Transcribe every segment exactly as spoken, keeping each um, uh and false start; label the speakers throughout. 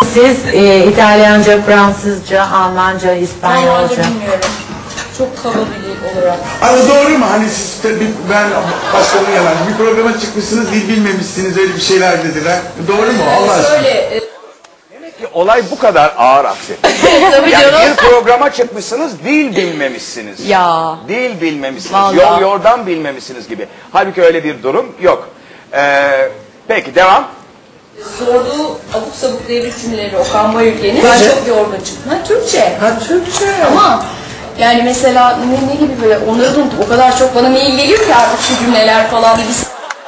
Speaker 1: siz e, İtalyanca, Fransızca, Almanca, İspanyolca?
Speaker 2: Almanca bilmiyorum. Çok kaba bir olarak.
Speaker 3: Hani doğru mu? Hani siz de bir, ben başkanın yalan. Bir programa çıkmışsınız, dil bilmemişsiniz, öyle bir şeyler dediler. Doğru mu? Allah aşkına.
Speaker 2: Şöyle... E,
Speaker 4: Demek ki olay bu kadar ağır aksi.
Speaker 2: tabii
Speaker 4: Yani
Speaker 2: canım.
Speaker 4: bir programa çıkmışsınız, dil bilmemişsiniz.
Speaker 2: Ya.
Speaker 4: Dil bilmemişsiniz,
Speaker 2: Vallahi.
Speaker 4: yol yordan bilmemişsiniz gibi. Halbuki öyle bir durum yok. Ee, peki devam.
Speaker 2: Sorduğu abuk sabuk devlet cümleleri Okan Bayülgen'in ben çok yorgun çıktım. Ha, Türkçe.
Speaker 1: Ha, Türkçe.
Speaker 2: Ama yani mesela ne, ne gibi böyle onları da unuttum. O kadar çok bana mail geliyor ki artık şu cümleler falan. Biz...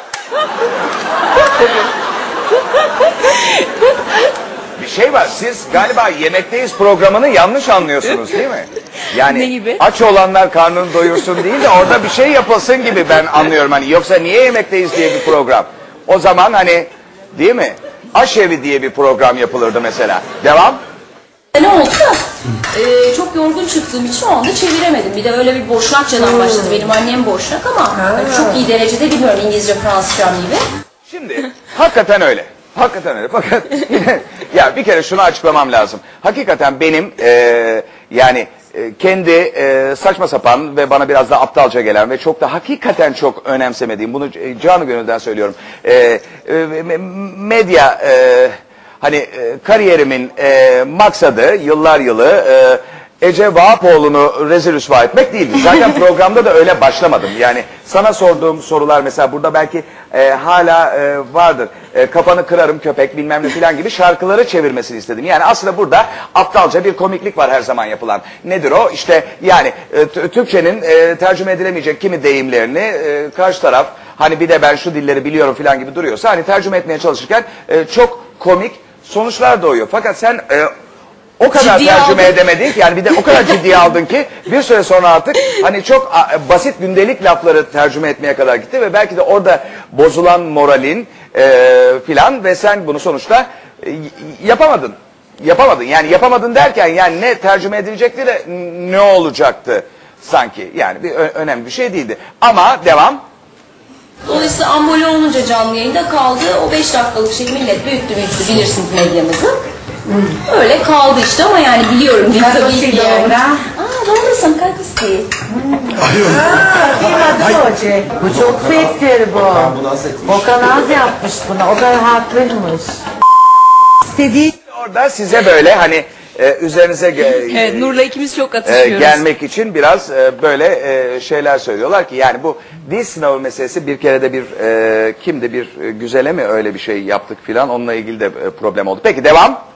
Speaker 4: Bir şey var, siz galiba Yemekteyiz programını yanlış anlıyorsunuz değil mi? Yani
Speaker 2: Ne gibi?
Speaker 4: aç olanlar karnını doyursun değil de orada bir şey yapılsın gibi ben anlıyorum. Hani yoksa niye Yemekteyiz diye bir program? O zaman hani değil mi? Aşevi diye bir program yapılırdı mesela. Devam.
Speaker 2: Ne oldu da e, çok yorgun çıktığım için o anda çeviremedim. Bir de öyle bir boşnakçadan başladı. Benim annem boşnak ama yani çok iyi derecede bilmiyorum İngilizce, Fransızcam gibi.
Speaker 4: Şimdi hakikaten öyle. Hakikaten öyle. Fakat ya bir kere şunu açıklamam lazım. Hakikaten benim e, yani e, kendi e, saçma sapan ve bana biraz da aptalca gelen ve çok da hakikaten çok önemsemediğim, bunu e, canı gönülden söylüyorum. E, e, medya e, hani e, kariyerimin e, maksadı yıllar yılı e, Ece Vahapoğlu'nu rezil rüsva etmek değildi. Zaten programda da öyle başlamadım. Yani sana sorduğum sorular mesela burada belki e, hala e, vardır. E, kafanı kırarım köpek bilmem ne filan gibi şarkıları çevirmesini istedim. Yani aslında burada aptalca bir komiklik var her zaman yapılan. Nedir o? İşte yani e, Türkçenin e, tercüme edilemeyecek kimi deyimlerini e, karşı taraf hani bir de ben şu dilleri biliyorum filan gibi duruyorsa hani tercüme etmeye çalışırken e, çok komik sonuçlar doğuyor. Fakat sen e, o kadar
Speaker 2: Ciddiye
Speaker 4: tercüme
Speaker 2: aldın.
Speaker 4: edemedik yani bir de o kadar ciddiye aldın ki bir süre sonra artık hani çok a, basit gündelik lafları tercüme etmeye kadar gitti ve belki de orada bozulan moralin e, filan ve sen bunu sonuçta e, yapamadın. Yapamadın yani yapamadın derken yani ne tercüme edilecekti de ne olacaktı sanki yani bir önemli bir şey değildi. Ama devam.
Speaker 2: Dolayısıyla ambole olunca canlı yayında kaldı. O beş dakikalık şey millet büyüttü büyüttü bilirsiniz medyamızı. Hmm. Öyle kaldı işte ama yani biliyorum değil tabii ki yani. Aa doğrusun kakısı.
Speaker 1: Hoca, bu çok fettir bu. Okan az yapmış buna, o kadar haklıymış. İstediği...
Speaker 4: Orada size böyle hani e, üzerinize ge-
Speaker 2: Evet, Nur'la ikimiz çok
Speaker 4: e,
Speaker 2: atışıyoruz.
Speaker 4: gelmek için biraz e, böyle e, şeyler söylüyorlar ki yani bu dil sınavı meselesi bir kere de bir e, kimdi bir e, güzele mi öyle bir şey yaptık filan onunla ilgili de e, problem oldu. Peki devam.